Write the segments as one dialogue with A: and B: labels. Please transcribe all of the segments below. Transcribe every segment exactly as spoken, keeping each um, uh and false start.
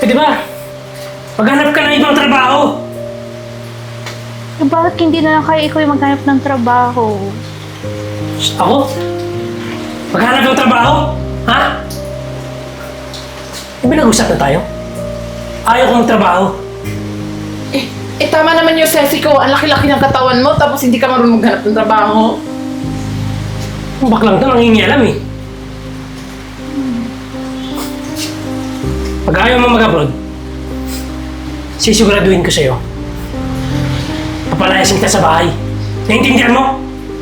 A: Pwede ba? Maghanap ka ng ibang trabaho.
B: Eh, bakit hindi na lang kaya ikaw yung maghanap ng trabaho?
A: Ako? Maghanap ng trabaho? Ha? May nag-usap na tayo? Ayaw ko magtrabaho.
C: Eh, eh tama naman yung sesi ko. Ang laki-laki ng katawan mo, tapos hindi ka marunong maghanap ng trabaho.
A: Ang baklang to, nangingialam eh. Pag ayaw mo mag-abroad, sisiguraduhin ko sa'yo. Papalayasin kita sa bahay. Naintindihan mo?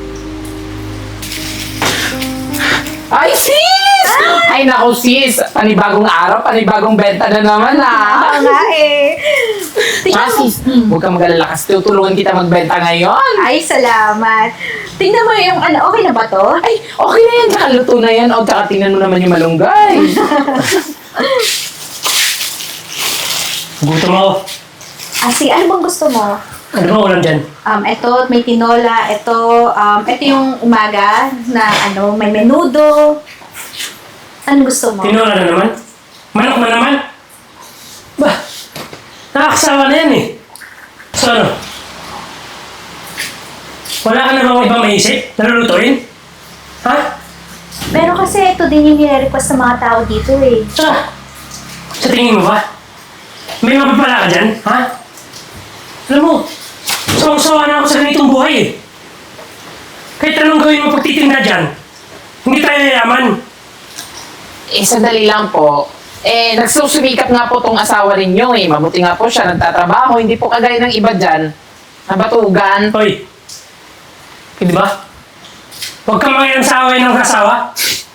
C: Ay, sis! Ay, naku, sis! Panibagong araw, panibagong benta na naman, ha?
B: Oo nga eh.
C: Ah,
B: Tingnan mo.
C: sis, huwag kang mag-alala kasi tutulungan kita magbenta ngayon.
B: Ay, salamat. Tingnan mo yung ano, okay na ba to?
C: Ay, okay na yan. Tsaka luto na yan. O, tsaka tingnan mo naman yung malunggay.
A: Gutom ako.
B: Ah, sige, ano bang gusto mo?
A: Ano ba ulam dyan?
B: Um, ito, may tinola. Ito, um, ito yung umaga na ano, may menudo. Ano gusto mo?
A: Tinola na naman? Manok na naman? Bah, nakakasawa na yan eh. So ano? Wala ka na bang ibang maisip na lulutuin? Ha?
B: Pero kasi ito din yung nire-request ng mga tao dito eh.
A: Saka, sa tingin mo ba? May mapapala ka dyan, ha? Alam mo, sawang-sawa na ako sa ganitong buhay eh. Kahit anong gawin mo pagtitinda dyan, hindi tayo yayaman.
C: Eh, sandali lang po. Eh, nagsusumikap nga po tong asawa ninyo eh. Mabuti nga po siya, nagtatrabaho. Hindi po kagaya ng iba dyan. Nabatugan.
A: Hoy, di ba? Huwag kang mangyayang sa away ng kasawa.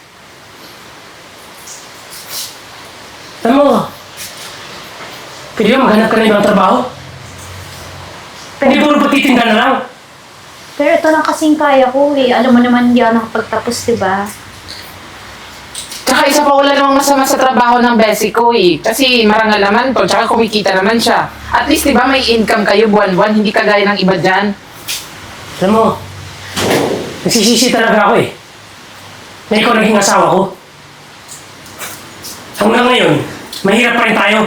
A: Alam mo, pwede ba maghanap ka na ibang trabaho? Hindi puro pagtitinda na lang.
B: Pero ito lang kasing kaya ko eh. Alam mo naman hindi ako nakapagtapos, di ba?
C: Tsaka isa pa wala namang masama sa trabaho ng besi ko eh. Kasi marangal naman to, tsaka kumikita naman siya. At least, di ba, may income kayo buwan-buwan, hindi kagaya ng iba dyan.
A: Alam mo, nagsisisi talaga ako eh. Na ikaw naging asawa ko. Hanggang ngayon, mahirap pa rin tayo.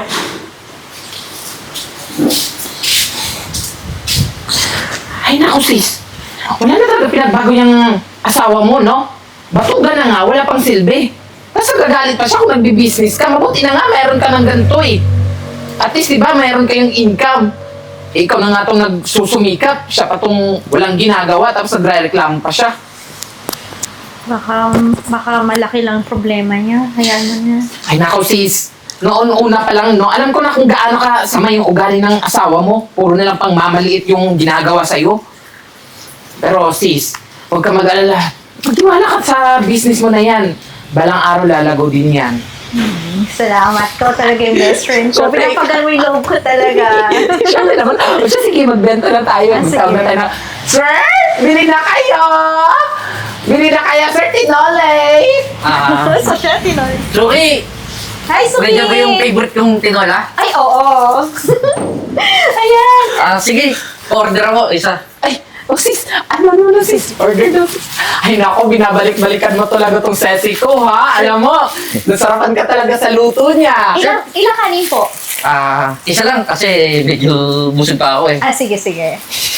C: Ay, naku sis. Wala na talaga pinagbago yung asawa mo, no? Batugan na nga, wala pang silbi. Tapos nagagalit pa siya kung nagbi-business ka. Mabuti na nga, meron ka ng ganito eh. At least, di ba, meron kayong income. Eh, ikaw na nga itong nagsusumikap. Siya pa itong walang ginagawa, tapos nagre-reklamo pa siya.
B: Baka, baka malaki lang problema niya. Hayaan mo na.
C: Ay, naku sis. Noon una pa lang, no? Alam ko na kung gaano ka sama yung ugali ng asawa mo. Puro na lang pang mamaliit yung ginagawa sa'yo. Pero sis, huwag ka mag-alala. Magtiwala ka sa business mo na yan. Balang araw lalago din yan.
B: Salamat. Ikaw talaga yung best friend ko.
C: Siyempre.
B: Pinapagal mo yung loob ko talaga.
C: Siyempre naman. O siya, sige, magbenta na tayo.
B: Ah, sige.
C: Magtawag na tayo na, Sir, bili na kayo! Bili na kayo, Sir Tinole!
D: Ah,
B: So siya, tinola.
D: Suki!
B: Hi, Suki!
D: Ganyan ba yung favorite kong tinola?
B: Ay, oo. Ayan.
D: Ah, sige, order ako isa.
C: Ay, oh sis, ano ano ano sis, order daw sis. Ay nako, binabalik-balikan mo talaga tong sesi ko ha. Alam mo, nasarapan ka talaga sa luto niya.
B: Ilang, ilang kanin po?
D: Ah, isa lang kasi medyo busog pa ako eh.
B: Ah, sige, sige.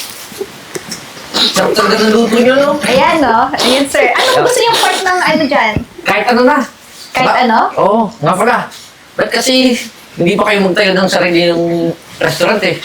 D: Sarap talaga ng luto niyo, no?
B: Ayan, no? Ayan, sir. Ano gusto niyong part ng ano dyan?
D: Kahit ano na.
B: Kahit
D: Ba-
B: ano?
D: Oo, nga pala. Ba't kasi hindi pa kayo magtayo ng sarili ng restaurant eh?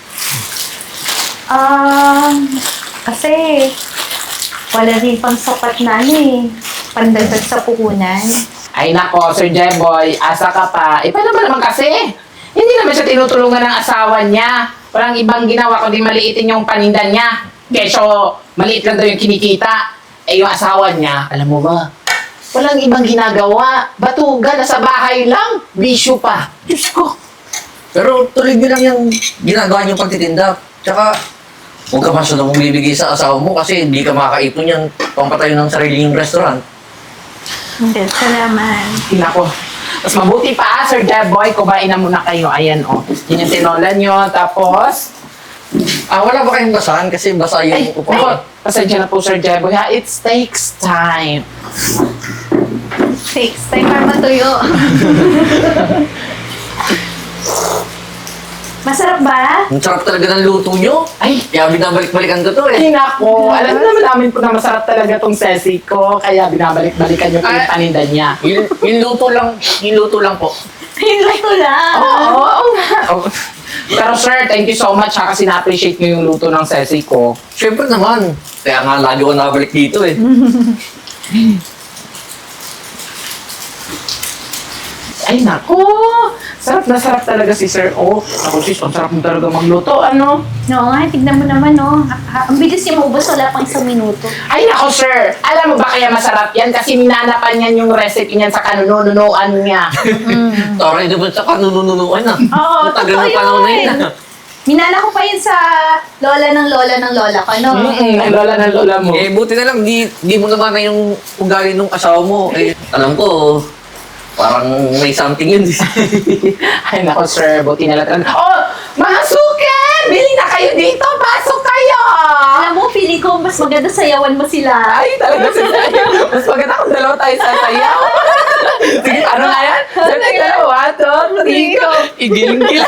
B: Um, kasi wala rin pang sapat na ano eh. Pandagdag sa puhunan.
C: Ay nako, Sir Jeboy, asa ka pa. Eh, paano ba naman kasi? Hindi naman siya tinutulungan ng asawa niya. Walang ibang ginawa kundi maliitin yung paninda niya. Kesyo, maliit lang daw yung kinikita. Eh, yung asawa niya, alam mo ba, walang ibang ginagawa. Batugan, nasa bahay lang. Bisyo pa. Diyos ko.
D: Pero tuloy nyo lang yung ginagawa nyo pagtitinda. Tsaka, huwag ka masyadong bibigay sa asawa mo kasi hindi ka makakaipon yan pampatayo ng sarili yung restaurant.
B: Hindi, salamat.
C: Nako. Mas mabuti pa, Sir Jeboy, kumain na muna kayo. Ayan, oh. Yun yung tinola nyo. Tapos,
D: Ah, wala ba kayong basahan? Kasi basa
C: ay,
D: yung
C: nako,
D: upuan.
C: pasensya na po, Sir Jeboy, ha? It takes time.
B: Takes time para matuyo. Masarap ba?
D: Ang sarap talaga ng luto nyo.
C: Ay,
D: Kaya binabalik-balikan ko to eh.
C: ay nako. Alam naman namin po na masarap talaga tong sesi ko. Kaya binabalik-balikan yung
D: Ay.
C: paninda niya.
D: Yung, yung luto lang, yung luto lang po.
B: Yung luto lang.
C: Oo, oo nga. Oo. Pero sir, thank you so much ha, kasi na-appreciate niyo yung luto ng sesi ko.
D: Siyempre naman. Kaya nga lagi ko nabalik dito eh.
C: Ay nako, sarap na sarap talaga si Sir O. Ako sis, ang sarap mo talaga magluto, ano?
B: Oo nga, tignan mo naman, no? Ha- ha- Ang bilis niya maubos, wala pang isang minuto.
C: Ay nako sir, alam mo ba kaya masarap yan? Kasi minanapan yan yung recipe niyan sa kanununuan niya.
D: Sorry naman sa kanununuan na.
B: Oo,
D: Ang tagal
B: totoo
D: ng panahon na
B: yun.
D: yun ah.
B: Minana ko pa yun sa lola ng lola ng lola ko, no?
C: Mm-mm, ang lola ng lola mo.
D: Eh, buti na lang, di, di mo naman na yung ugali ng asawa mo. Eh, alam ko, parang may something yun.
C: Ay nako sir, buti na lang. Oh, mga suke! Bili na kayo dito! Pasok kayo!
B: Alam mo, feeling ko mas maganda sayawan mo sila.
C: Ay, talaga si Sayo. Mas maganda kung dalawa tayo sasayaw. Sige, ano nga yan? Sige, dalawa, two, three, go. Igiling-giling.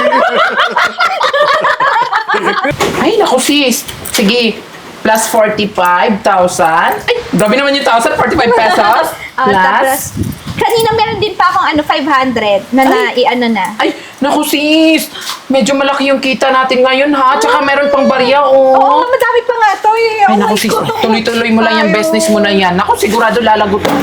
C: Ay, naku sis. Sige, plus forty-five thousand. Ay, grabe naman yung one thousand, forty-five pesos.
B: Ah,
C: Plus.
B: tapos, kanina meron din pa akong ano, five hundred na na, i-ano na.
C: Ay, naku sis. Medyo malaki yung kita natin ngayon ha. Tsaka meron pang barya,
B: Oo,
C: oh.
B: madami pa nga to eh.
C: Ay,
B: Oh
C: naku
B: my
C: sis.
B: God.
C: Tuloy-tuloy mo lang yung
B: Ayaw.
C: business mo na yan. Naku, sigurado lalago to.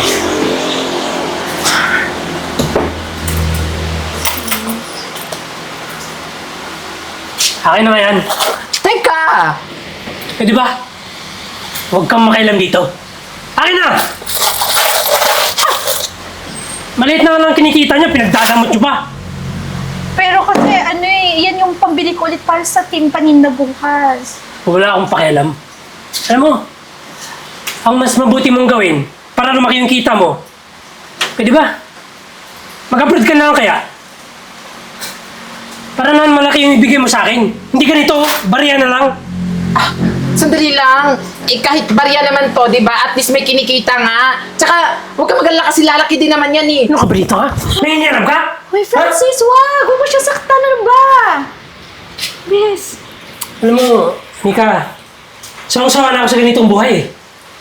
A: Akin na nga yan.
C: Teka!
A: Eh, di ba? Huwag kang makialam dito. Akin na! Maliit na nga lang kinikita niya, pinagdadamot niyo pa.
B: Pero kasi ano eh, yan yung pambili ko ulit para sa team paninda bukas.
A: Wala akong pakialam. Alam mo, ang mas mabuti mong gawin para lumaki yung kita mo, pwede ba? Mag-upload ka na lang kaya? Para naman malaki yung ibigay mo sa akin. Hindi ganito, bariya na lang.
C: Ah, sandali lang. Eh, kahit barya naman to, di ba? At least may kinikita nga. Tsaka, huwag ka magalala kasi lalaki din naman yan eh.
A: Ano ka, Brito ha? Nangingiram ka?
B: Uy, Francis, wag! Huwag mo siya saktan, ano ba? Yes.
A: Alam mo, Mika, sawang-sawa na ako sa ganitong buhay eh.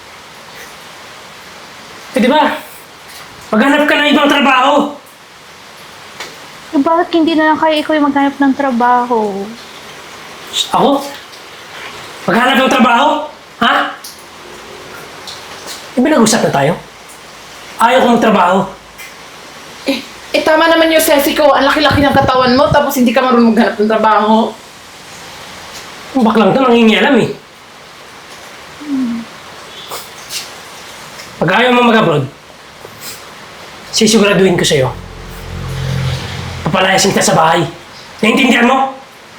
A: Eh, di ba? Maghanap ka ng ibang trabaho.
B: Eh, bakit hindi na lang kayo ikaw yung maghanap ng trabaho?
A: Ako? Maghanap ng trabaho? Ha? Di ba nag-usap na tayo? Ayaw kong trabaho.
C: Eh, eh, tama naman yung sesi ko. Ang laki-laki ng katawan mo, tapos hindi ka marunong maghanap ng trabaho.
A: Ang baklang to, nangingialam eh. Pag ayaw mo mag-abroad, sisiguraduhin ko sa'yo. Papalayasin kita sa bahay. Naintindihan mo?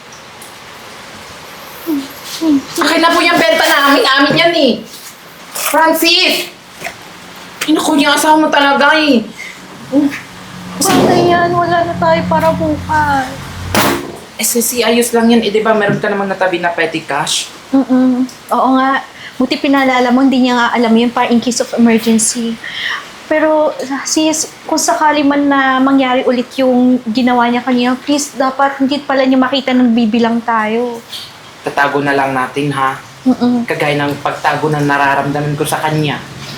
C: Akin na po yung benta namin, amin yan eh. Francis! Inaku yung asawa mo talaga eh.
B: Paano yan? Wala na tayo para bukas.
C: S S C, ayos lang yan. Eh, di ba meron ka namang natabi na petty cash?
B: Mm-mm. Oo nga. Buti pinalala mo, hindi niya nga alam yun para in case of emergency. Pero sis, kung sakali man na mangyari ulit yung ginawa niya kanina, please, dapat hindi pala niya makita nang bibilang tayo.
C: Tatago na lang natin ha.
B: Mm-mm.
C: Kagaya ng pagtago ng nararamdaman ko sa kanya.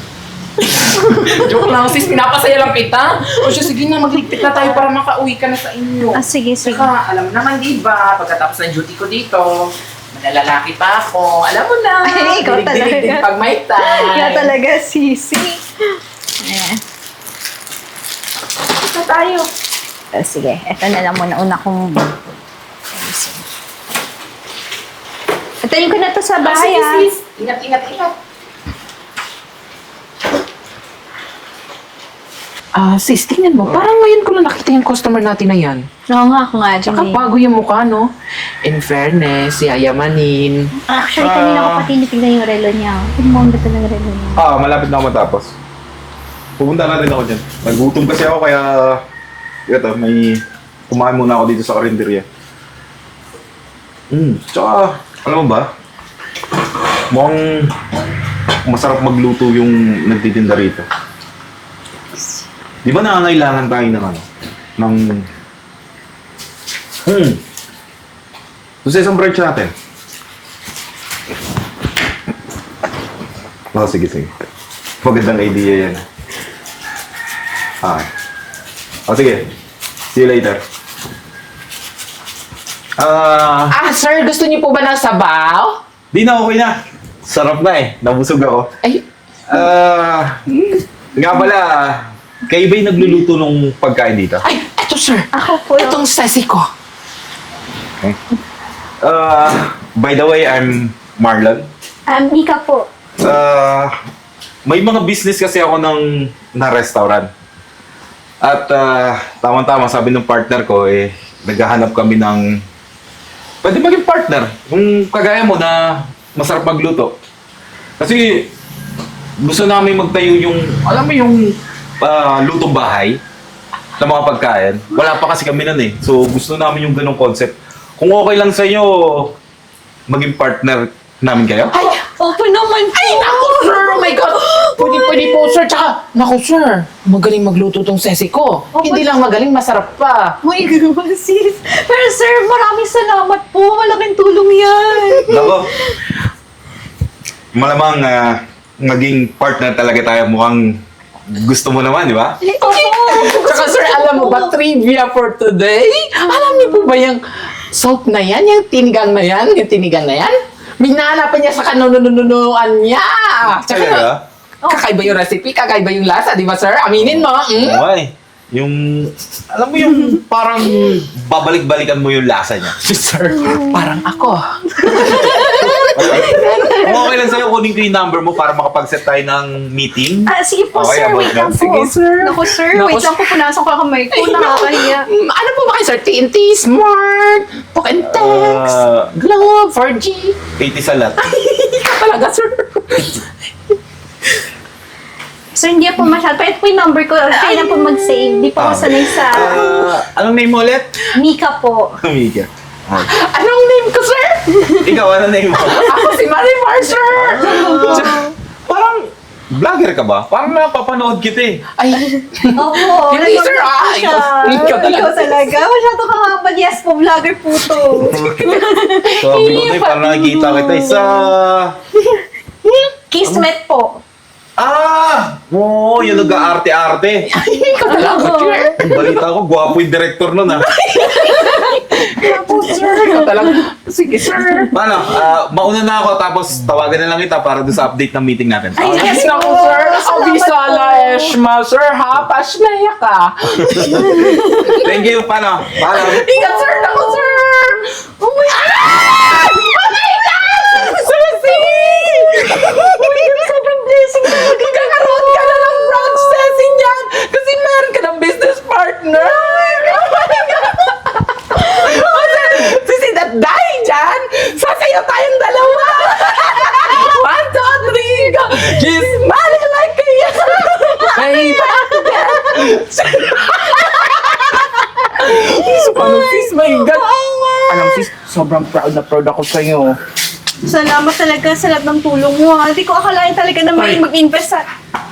C: Joke lang sis, pinapasaya lang kita. O siya, sige na, magligpit na tayo para makauwi ka na sa inyo.
B: Ah, sige, sige.
C: Saka, alam mo naman, di ba, pagkatapos ng duty ko dito, manalalaki pa ako. Alam mo na,
B: Ay, ikaw
C: dilig-dilig
B: talaga.
C: din pag may time.
B: Kaya talaga, sisi. Ayan.
C: Ito tayo.
B: Oh, sige, eto na lang muna una kong... ayusin. Atayin ko na to sa bahay,
C: Sige,
B: ah.
C: sis. Ingat, ingat, ingat. Ah, sis, tingnan mo. Parang ngayon ko lang nakita yung customer natin na yan.
B: Oo nga, ako nga,
C: Tsaka
B: Jimmy.
C: bago yung mukha, no? In fairness, yayamanin.
B: Actually, kanina ko
E: Ah.
B: pa tinitignan yung relo niya. Ang mong ganda ng relo niya.
E: Ah, malapit na ako matapos. Pupunta na rin ako dyan. Nagutom kasi ako kaya... Ito, may... Kumain muna ako dito sa karinderya. Hmm, tsaka... Alam mo ba? Mukhang... Masarap magluto yung nagtitinda rito. Di ba nangangailangan tayo ng ano? Ng... Hmm, Doon sa isang branch natin. Oh, sige, sige. Magandang idea yan. Ah. Oh, sige. See you later. Ah,
C: Ah, sir, gusto niyo po ba ng sabaw?
E: di na, okay na. Sarap na eh. Nabusog ako.
C: Ay,
E: Ah, nga pala, kayo ba'y nagluluto ng pagkain dito?
C: ay, eto sir.
B: Ako po.
C: Itong sesi ko.
E: Okay. Ah, by the way, I'm Marlon.
B: Um, Nika po.
E: Ah, may mga business kasi ako ng na restaurant. At ah, tama-tama sabi ng partner ko eh naghahanap kami ng pwede maging partner kung kagaya mo na masarap magluto. Kasi gusto namin magtayo yung alam mo yung ah, lutong bahay ng mga pagkain. Wala pa kasi kami nun eh. So gusto namin yung ganong concept. Kung okay lang sa inyo maging partner namin kayo?
C: Ay,
B: Opo naman po.
C: ay, naku sir! Oh my God! Pwede, pwede po sir. Tsaka, naku sir, magaling magluto tong sesi ko.
B: Oh,
C: Hindi lang magaling, masarap pa.
B: My God, sis. Pero sir, maraming salamat po. Malaking tulong yan.
E: Nako. Malamang ah, maging partner talaga tayo. Mukhang gusto mo naman, di ba?
B: Opo.
C: Tsaka sir, alam mo ba, trivia for today? Alam niyo po ba yung salt na yan? Yung tinigang na yan? Yung tinigang na yan? Minahanapan niya sa kanunununuan niya. Tsaka,
E: Talaga?
C: kakaiba yung recipe, kakaiba yung lasa, di ba sir? Aminin mo. Mm?
E: Okay. Yung, alam mo yung parang babalik-balikan mo yung lasa niya.
C: Sir, parang ako.
E: Kung okay lang sa'yo, kunin ko yung number mo para makapag-set tayo ng meeting.
B: Ah, sige po,
E: Okay,
B: sir.
E: about
B: Wait
E: that.
B: lang po.
C: Sige, sir.
B: Naku, sir.
C: Naku,
B: Wait lang po. Punasan ko ang kamay ko. Nakakahiya.
C: Mm, ano po ba kayo, sir? T N T, Smart, Talk and Text,
E: Ah.
C: Globe, four G.
E: eighty sa lahat.
C: Ikaw talaga, sir.
B: Sir, hindi po masyado. Pero ito po yung number ko. Kaya na po mag-save. Hindi po ako sanay sa
E: Ah, anong name mo ulit?
B: Mika po.
E: Mika. Ah.
C: Anong name ko, sir?
E: Ikaw, ano name mo?
C: Ako si Marimar, sir.
E: Tsaka, parang, vlogger ka ba? Parang napapanood kita eh.
C: Ay,
B: Opo.
C: Hindi, sir. Ah,
B: siya.
C: ikaw- ikaw talaga.
B: Ikaw talaga. Masyado ka nga. Yes po, vlogger po to.
E: Sabi ko na eh, parang nakikita kita eh, sa...
B: Kismet po.
E: Ah! Oo, yung nag-aarte-arte.
C: ikaw talaga, sir.
E: Ang balita ko, gwapo yung director nun ah.
C: Ako, sir. Ikaw talaga. Sige, sir.
E: Paano? Ah, mauna na ako tapos tawagan na lang kita para doon sa update ng meeting natin.
B: Ay,
C: Ay,
B: yes
C: naku,
B: po.
C: sir.
B: Salamat
C: Abisala,
B: po.
C: Eshma, sir, ha? Pasmaya ka.
E: Thank you, paano? Paano?
C: Ingat, sir. Naku, sir. Oh my God! Oh my God! Ceci! Oh my God, sobrang blessing talaga. Magkakaroon ka na ng branch, Ceci, niyan. Kasi meron ka ng business partner. Oh my God! Oh, sir, Ceci, that dahil dyan, sasayaw tayong dalawa. One, two, three, go. She's smiling like a yes. Hey, So, paano, sis? My God. Alam, sis, sobrang proud na proud ako sa'yo.
B: Salamat talaga sa lahat ng tulong mo. ha. Hindi ko akalain talaga na may
A: Ay.
B: mag-invest sa...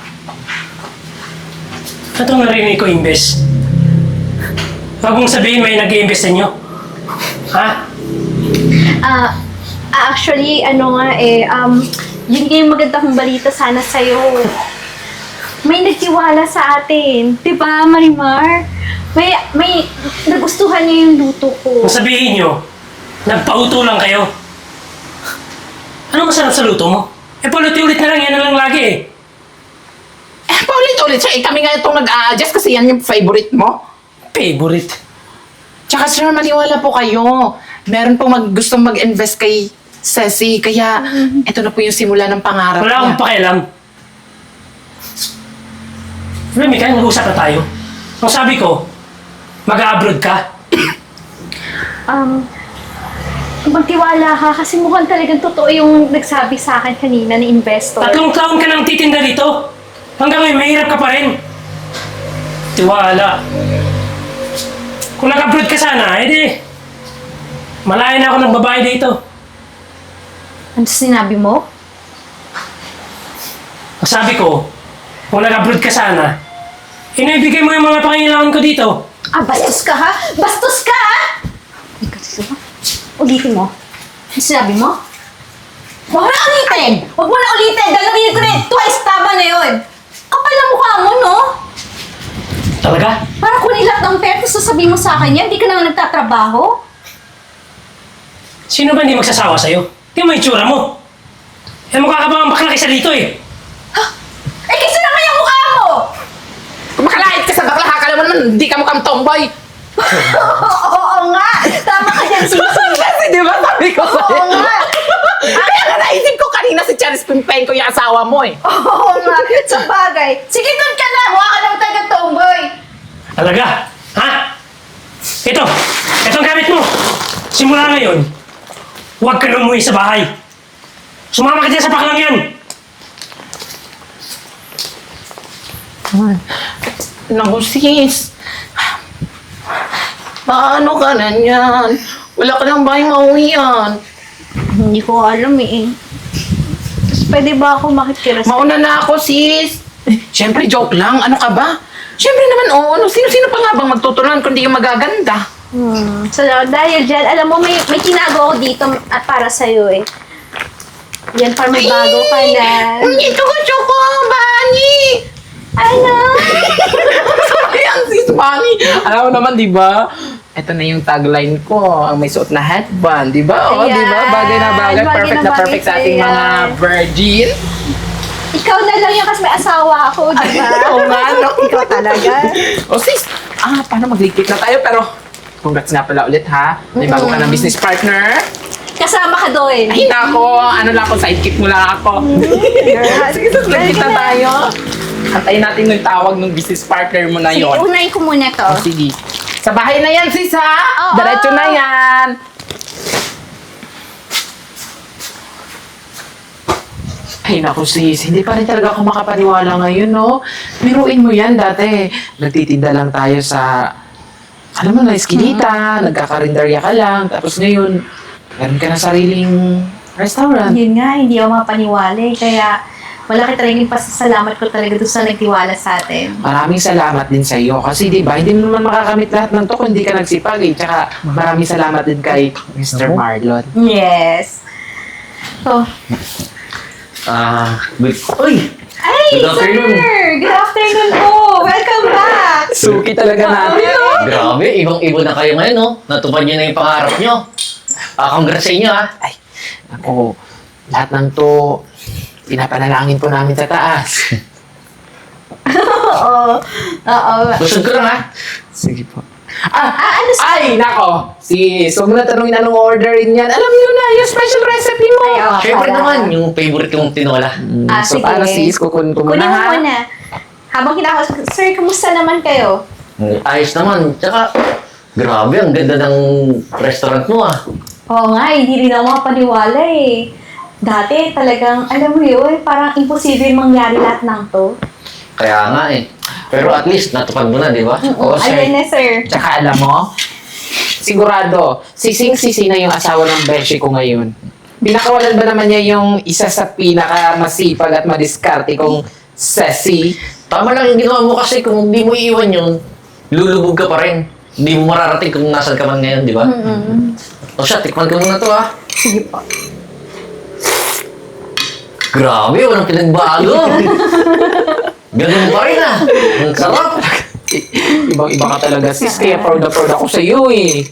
A: Ito narinig ko, invest. Huwag mong sabihin may nag-i-invest sa inyo. Ha?
B: Ah, actually, ano nga eh, um, yun nga yung maganda kong balita sana sa'yo. May nagtiwala sa atin. Diba, Marimar? May, may nagustuhan niya yung luto ko.
A: Kung sabihin nyo, nagpauto lang kayo. Ano masarap sa luto mo? Eh, paulit-ulit na lang, yan na lang lagi eh.
C: Eh, paulit-ulit siya. Eh, kami nga itong nag-a-adjust kasi yan yung favorite mo.
A: Favorite.
C: Tsaka sir, maniwala po kayo. Meron pong mag, gustong mag-invest kay Ceci. Kaya, ito na po yung simula ng pangarap
A: Wala
C: niya.
A: akong pakialam. Remy, kaya nag-usap na tayo. Ang sabi ko, mag-abroad ka.
B: Um, magtiwala ka kasi mukhang talagang totoo yung nagsabi sa akin kanina na investor.
A: Tatlong taon ka nang titinda dito. Hanggang ngayon, mahirap ka pa rin. Tiwala. Kung nag-abroad ka sana, edi, malayo na ako ng babae dito.
B: Ano sinabi mo?
A: Ang sabi ko, kung nag-abroad ka sana, inibigay mo yung mga pangailangan ko dito.
B: Ah, bastos ka ha? Bastos ka ha? Ikaw, sino ba? Ulitin mo. Ano sinabi mo? Huwag mo na ulitin! Huwag mo na ulitin! Gagawin ko na yun! Twice tama na yun! Kapal na mukha mo, no?
A: Talaga?
B: Para kunin lahat ng pera, tapos sasabihin mo sa akin yan, hindi ka na nagtatrabaho?
A: Sino ba hindi magsasawa sa'yo? Tingnan mo yung tsura mo. Eh, mukha ka ba ang bakla kaysa dito eh?
B: Eh, kasi na kaya mukha mo!
C: Kung makalait ka sa bakla, akala mo naman hindi ka mukhang tomboy.
B: Oo nga! Tama ka dyan, Sisi!
C: Kasi di ba sabi ko
B: Oo
C: sa'yo?
B: nga!
C: Kaya nga naisip ko kanina si Charis Pimpeng ko yung asawa mo eh.
B: Oo nga! Sa bagay! Sige, doon ka na! Mukha ka naman talaga tomboy!
A: Talaga? Ha? Ito! Ito ang gamit mo! Simula ngayon, huwag ka na umuwi sa bahay. Sumama ka dyan sa baklang yan!
C: Naku sis, paano ka na yan? Wala ka ng bahay mauwian.
B: Hindi ko alam eh. Tapos pwede ba ako makikira sa...
C: Mauna na ako sis. Eh, Siyempre joke lang, ano ka ba? Siyempre naman oo, ano, sino-sino pa nga bang magtuturuan kundi yung magaganda?
B: Hmm. So, dahil dyan, alam mo, may, may tinago ako dito at para sa'yo eh. Yan, para may bago ka na.
C: Hindi ko ko, Bani!
B: Ano?
C: Sorry ang sis Bani. Alam mo naman, di ba? Ito na yung tagline ko, ang may suot na headband, di ba? Oo,
B: Ayan.
C: di ba? Bagay na bagay,
B: Bagay
C: perfect
B: na
C: na
B: bagay
C: perfect sa
B: sa'yo
C: ating mga
B: yan.
C: virgin.
B: Ikaw na lang yan kasi may asawa ako, di ba?
C: Oo nga, no?
B: Ikaw talaga.
C: O sis, ah, paano magligpit na tayo? Pero, congrats nga pala ulit ha. May bago ka ng business partner.
B: Kasama ka doon.
C: Ay, nako, ano lang ako, sidekick mo lang ako. Sige, sis, ligpit na tayo. Antayin natin yung tawag ng business partner mo na
B: Sige,
C: yon.
B: unahin ko muna to.
C: O, sige. Sa bahay na yan, sis ha?
B: Oo.
C: Diretso na yan. Ay, naku sis, hindi pa rin talaga ako makapaniwala ngayon, no? Biruin mo yan dati. Nagtitinda lang tayo sa, alam mo na, eskinita, nagkakarinderya ka lang, tapos ngayon, meron ka na sariling restaurant.
B: Yun nga, hindi ako mapaniwala eh. Kaya malaki talaga yung pasasalamat ko talaga doon sa nagtiwala sa atin.
C: Maraming salamat din sa iyo kasi 'di ba hindi mo naman makakamit lahat ng to kung hindi ka nagsipag eh. Tsaka maraming salamat din kay mister Marlon.
B: Yes. So,
D: Ah, good. Uy!
B: ay,
D: Good afternoon.
B: sir! Good afternoon po! Welcome back!
C: Suki talaga natin. no?
D: Grabe, ibang-iba na kayo ngayon, no? Natupad niyo na yung pangarap niyo. Ah, congrats sa inyo, ha?
C: Ay, ako, lahat ng to pinapanalangin po namin sa taas.
B: Oo. Oo.
D: Busog ko lang, ha?
C: Sige po. Ah,
B: Ah, ano sa...
C: ay, nako. Sis, huwag mo na tanongin anong orderin yan. Alam niyo na, yung special recipe mo.
B: Ay, oo.
D: Siyempre
B: para.
D: naman, yung favorite kong tinola.
C: Mm,
B: Ah,
C: so,
B: sige.
C: para sis, kukunin ko muna
B: Kunin mo
C: ha.
B: muna. Habang kinakausap, sir, kamusta naman kayo?
D: Ayos naman. Tsaka, grabe, ang ganda ng restaurant mo, ah.
B: Oo nga, hindi rin ako makapaniwala eh. Dati talagang, alam mo yun, parang imposible mangyari lahat ng to.
D: Kaya nga, eh. Pero at least, natupad mo na, di ba? Oo,
B: Ayan na, sir.
C: Tsaka alam mo, sigurado, sising-sisi na yung asawa ng beshi ko ngayon. Pinakawalan ba naman niya yung isa sa pinaka-masipag at madiskarte kong sesi?
D: Tama lang yung ginawa mo kasi kung hindi mo iiwan yun, lulubog ka pa rin. Hindi mo mararating kung nasan ka man ngayon, di ba?
B: Mm-mm.
D: O siya, tikman ko muna to, ha?
B: Sige po.
D: Grabe, walang pinagbago. Ganun pa rin, ah. Ang sarap.
C: Ibang-iba ka talaga, sis. Kaya proud na proud ako sa iyo eh.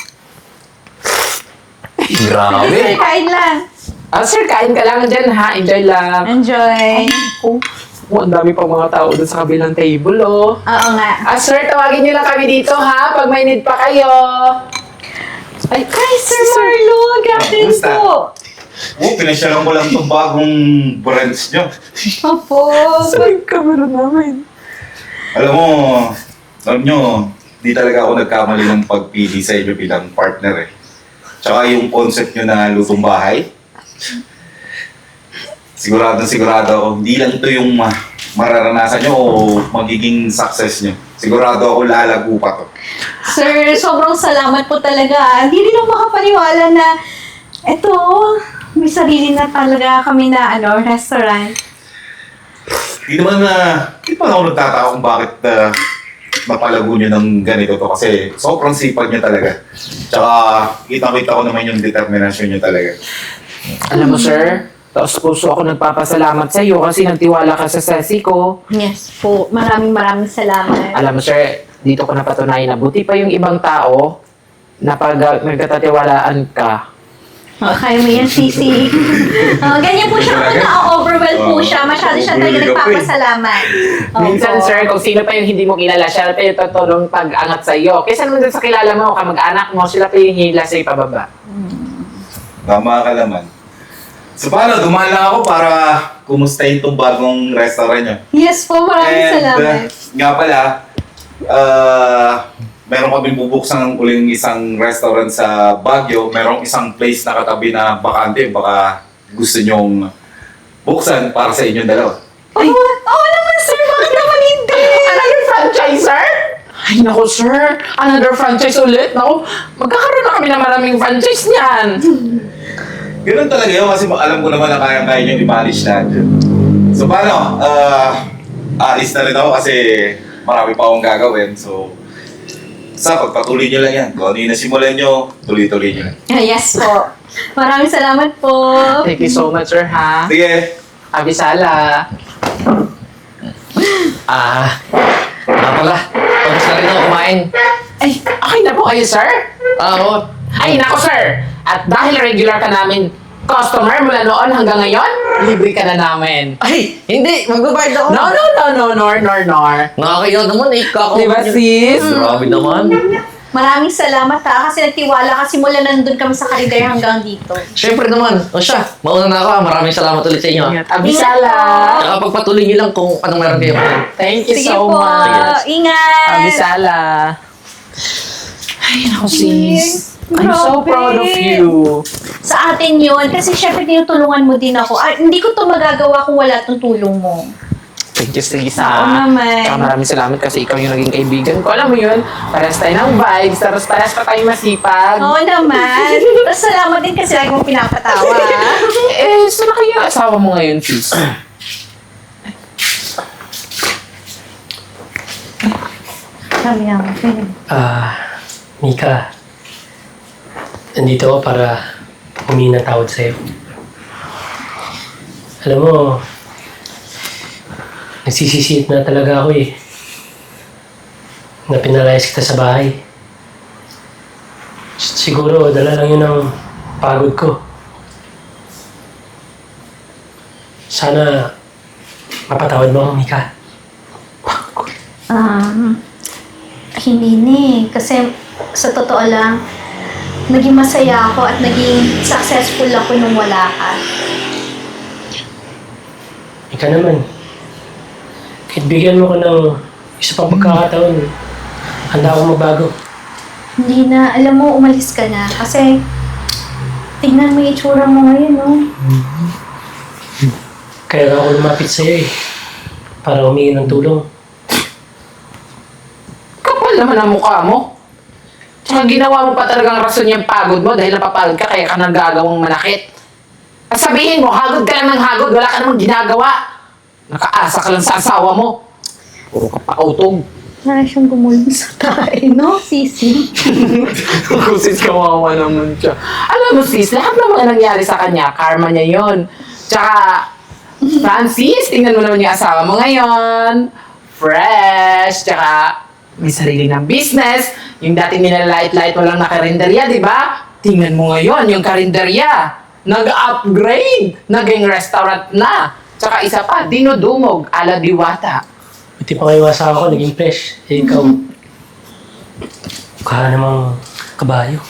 D: Grabe.
B: Kain lang.
C: Ah, sir, kain ka lang dyan ha. Enjoy lang.
B: Enjoy.
C: Oh, oh, ang dami pa mga tao dun sa kabilang table, oh.
B: Oo nga.
C: Ah, sir, tawagin niyo lang kami dito, ha? Pag may need pa kayo. Ay,
B: Hi, Sir Marlon! Grabe
E: Kumusta?
B: po!
E: Oh, pinasyalan ko lang itong bagong brands nyo.
B: Opo.
C: sir, yung camera namin.
E: Alam mo, alam nyo, di talaga ako nagkamali ng pagpili sa inyo bilang partner eh. Tsaka yung concept nyo na lutong bahay. Sigurado sigurado ako, hindi lang ito yung ma- mararanasan nyo o magiging success nyo. Sigurado ako lalago pa to.
B: Sir, sobrang salamat po talaga. Hindi rin ako makapaniwala na eto, may sarili na talaga kami na ano, restaurant.
E: Di naman na, di pa ako nagtataka kung bakit uh, napalago niyo ng ganito to kasi sobrang sipag niya talaga. Tsaka kita-kita ko naman yung determinasyon niyo talaga.
C: Alam mo, sir, taos puso ako nagpapasalamat sa iyo kasi nagtiwala ka sa sesi ko.
B: Yes po. Maraming maraming salamat.
C: Alam mo, sir, dito ko napatunayan na buti pa yung ibang tao na pag uh, nagkatatiwalaan ka.
B: Oh, kaya mo yan, Sisi. Oh, ganyan po siya kung na-overwhelm po
E: Oo.
B: siya. Masyado siya talaga
E: Bumili ka pa eh.
B: nagpapasalamat. Opo.
C: Minsan, sir, kung sino pa yung hindi mo kilala, siya pa yung tutulong pag-angat sa iyo. Kaysa naman dun sa kilala mo, kamag-anak mo, sila pa yung hila sa pababa.
E: Tama ka naman. So paano, dumaan lang ako para kumustahin tong bagong restaurant niyo.
B: Yes po, maraming
E: And,
B: salamat.
E: uh, nga pala, uh, meron kami bubuksan ng uling isang restaurant sa Baguio. Merong isang place na katabi na bakante. Baka gusto nyong buksan para sa inyong dalawa.
B: Ay, oo naman, sir. Bakit naman hindi?
C: Another franchise, sir? Ay, naku, sir. Another franchise ulit. Naku, magkakaroon na kami ng maraming franchise niyan.
E: Ganun talaga yun kasi alam ko naman na kaya-kaya nyo i-manage natin. So paano? Uh, alis na rin ako kasi marami pa akong gagawin. So, sa pagpatuloy nyo lang yan. Kung ano yung nasimulan nyo, tuloy-tuloy nyo lang.
B: Yes po. Maraming salamat po.
C: Thank you so much, sir, ha?
E: Sige,
C: Abisala.
D: Ah, nga pala. Tapos na rin ako kumain.
C: Ay, okay na po kayo, sir?
D: Ah, oo.
C: Ay, nako, sir. At dahil regular ka namin customer mula noon hanggang ngayon, libre ka na namin.
D: Ay, hindi. Magbabayad ako.
C: No, no, no, no, nor, nor, nor.
D: Nakakaya naman eh. Kako.
C: Diba, sis?
D: Grabe naman.
B: Maraming salamat ha, kasi nagtiwala kasi mula nandun kami sa Kaligay hanggang dito.
D: Siyempre naman. O siya, mauna na ako. ah. Maraming salamat ulit sa inyo. ah.
C: Abisala.
D: Tsaka pagpatuloy niyo lang kung anong meron kayo.
C: Thank you
B: Sige
C: so
B: po.
C: much.
B: Ingat.
C: Abisala. Ay, naku, sis. I'm so
B: Grabe.
C: proud of you.
B: Sa atin yun, kasi syempre tinutulungan mo din ako. Ah, hindi ko to magagawa kung wala tong tulong mo.
C: Thank you, sis.
B: Oo
C: ha.
B: naman.
C: Tsaka maraming salamat kasi ikaw yung naging kaibigan ko. Alam mo yun, parehas tayo ng vibes, tapos parehas pa tayo masipag.
B: Oo naman. Tapos salamat din kasi lagi mo pinapatawa.
C: Eh, saan na kayo asawa mo ngayon, sis?
B: Sabi naman.
A: Ah, Mika. Nandito ako para humingi ng tawad sa'yo. Alam mo, nagsisisiit na talaga ako eh. Na pinalayas kita sa bahay. S- Siguro, dala lang yun ng pagod ko. Sana, mapatawad mo ako, Mika.
B: Um, hindi ni. Kasi sa totoo lang, naging masaya ako at naging successful ako nung wala ka.
A: Ika naman. Kahit bigyan mo ko ng isa pang pagkakataon, handa akong magbago.
B: Hindi na, alam mo, umalis ka na. Kasi, tingnan mo yung itsura mo ngayon, no?
A: Kaya ako lumapit sa'yo eh. Para humingi ng tulong.
C: Kapal naman ang mukha mo. Tsaka ginawa mo pa talagang rason yung pagod mo dahil napapagod ka kaya ka nagagawang manakit. At sabihin mo, hagod ka lang ng hagod, wala ka namang ginagawa. Nakaasa ka lang sa asawa mo. Puro ka pa utog.
B: Para siyang gumulong sa tayo, no, Sisi?
C: Kung sis, kawawa naman siya. Alam mo sis, lahat ng mga nangyari sa kanya, karma niya yon. Tsaka, Francis, tingnan mo naman yung asawa mo ngayon. Fresh, tsaka may sarili ng business. Yung dati nilalait-lait mo lang na karinderya, di ba? Tingnan mo ngayon yung karinderya. Nag-upgrade. Naging restaurant na. Tsaka isa pa, dinudumog, ala diwata.
A: Buti pa kayo asawa ko, naging fresh. Eh, ikaw, mukha namang kabayo.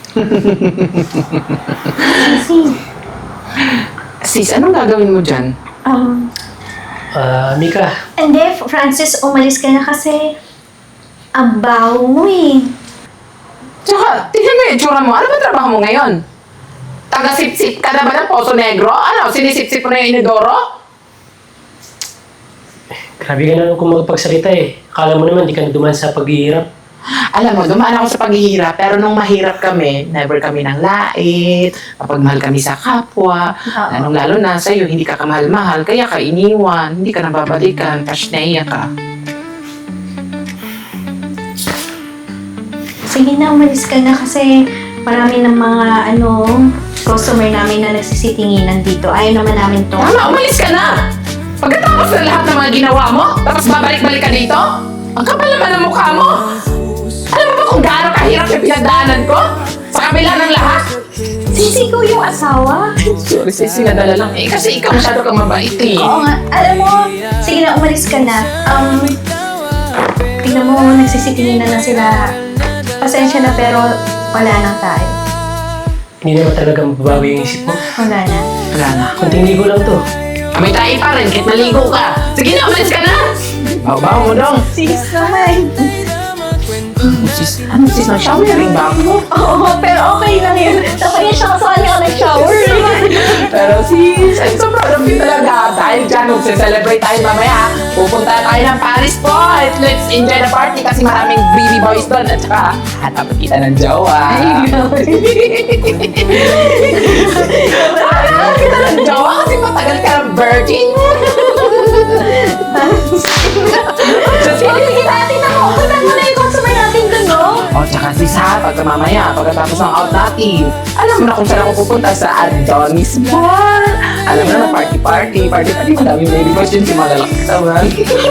B: Sisi,
C: Sis, anong gagawin mo dyan?
B: um,
A: Ah, Mika,
B: hindi, Francis, umalis ka na kasi ang baho mo eh.
C: Tsaka, tingnan mo yung itsura mo. Ano ba trabaho mo ngayon? Taga-sip-sip ka na ba ng Poso Negro? Ano, sinisip-sip mo na yung inidoro?
A: grabe ka na kung magpagsalita eh. Akala mo naman, di ka na duman sa paghihirap.
C: Alam mo, dumaan ako sa paghihirap, pero nung mahirap kami, never kami ng lait, mapagmahal kami sa kapwa,
B: Oo.
C: lalong lalo na sa'yo, hindi ka kamahal-mahal, kaya ka iniwan, hindi ka nababalikan, tapos naiya ka.
B: sige na, umalis ka na kasi marami ng mga ano, customer namin na nagsisitinginan dito. Ayaw naman namin to.
C: Tama, umalis ka na! Pagkatapos ng lahat ng mga ginawa mo, tapos babalik-balik ka dito? Ang kapal naman ng mukha mo! Alam mo ba kung gaano kahirap yung pinagdaanan ko? Sa kabila ng lahat?
B: Sisi ko yung asawa.
C: Sorry, sis, sinadala lang eh. Kasi ikaw masyado kang mabait eh.
B: Oo nga. Alam mo, sige na, umalis ka na. Um, tingnan mo, nagsisitinginan na sila. Pasensya na pero wala na tayo.
A: Hindi naman talaga mababawi yung isip mo.
B: Wala na.
C: Wala na.
A: Kunting ligo lang to.
C: May tayo pa rin, kahit maligo ka. Sige na, umalis ka na! Bawa mo dong.
B: Sis naman.
C: Sis, ano sis, nag-showering ba ako?
B: Oo, pero okay lang yun. Tapos siya kasali ako nag-shower.
C: Pero sis, I'm so proud of you talaga. Dahil dyan, magse-celebrate tayo mamaya. Pupunta tayo ng Paris po at let's enjoy the party kasi maraming baby boys doon. At saka, hanap kita ng jowa. Hanap kita ng jowa kasi matagal ka ng virgin.
B: Sige, sige natin ako. Punta mo na yung customer natin dun, no?
C: O, tsaka sis ha, pagka mamaya, pagkatapos ng out natin, alam mo na kung saan ako pupunta sa Adonis Bar. Alam mo na, party-party, party-party, madaming baby boys yun, si mga lalaki katawan.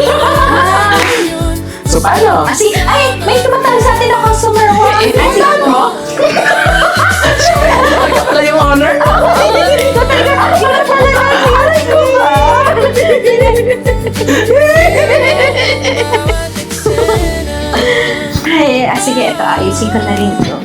C: So, paano?
B: Kasi, ay, may tumatawag sa atin na customer ko.
C: Eh, tandaan mo? Siyempre, ano ka pala yung honor?
B: Ay, ah, sige, ito, ayusin ko na rin ito.